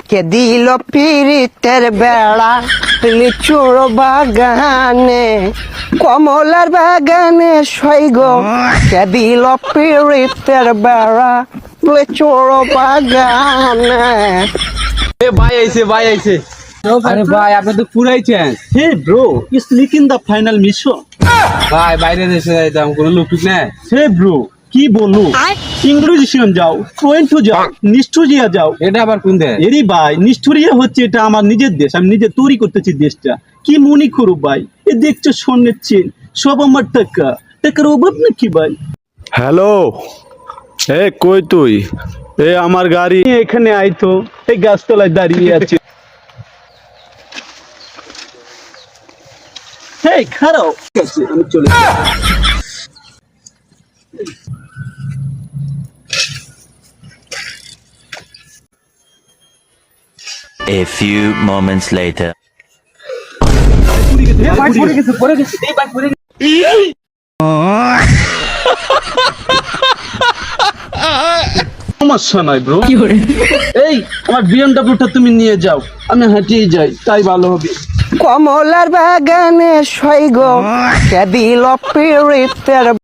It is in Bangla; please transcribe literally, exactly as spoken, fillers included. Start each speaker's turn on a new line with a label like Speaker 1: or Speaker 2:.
Speaker 1: কে দিল পিরিতের বেড়া লিচুর বাগানে কমলার বাগানে সৈগ কে দিল পিরিতের বেড়া লিচুর বাগানে।
Speaker 2: এ ভাই আইছে ভাই আইছে আরে ভাই আপনি তো পুরাইছেন।
Speaker 3: Hey bro is leaking the final mission.
Speaker 2: ভাই বাইরে দেশে যাইতাম কোনো লোক ঠিক নাই।
Speaker 3: হে ব্রো কি বলু ইংরেজিশন যাও টুয়েন্টু যাও নিষ্ঠুরিয়া যাও।
Speaker 2: এটা আবার কোন দেশ?
Speaker 3: এরি ভাই নিষ্ঠুরিয়া হচ্ছে এটা আমার নিজের দেশ, আমি নিজে তৈরি করতেছি দেশটা। কি মনে করু ভাই, এ দেখছো স্বর্ণের চেন, সব আমার টাকা, টাকার অভাব নাকি ভাই?
Speaker 4: হ্যালো, এ কই তুই? এ আমার গাড়ি
Speaker 3: এখানে আইতো, এই গাছতলায় দাঁড়িয়ে আছে। হেই খারাপ ঠিক আছে, আমি চলে
Speaker 5: A few moments later.
Speaker 3: সমস্যা নাই ব্রো। এই আমার বিএমডব্লিউটা তুমি নিয়ে যাও, আমি হাঁটিয়ে যাই, তাই ভালো হবে।
Speaker 1: কমলার বাগানে সৈগ কে দিল পিরিতের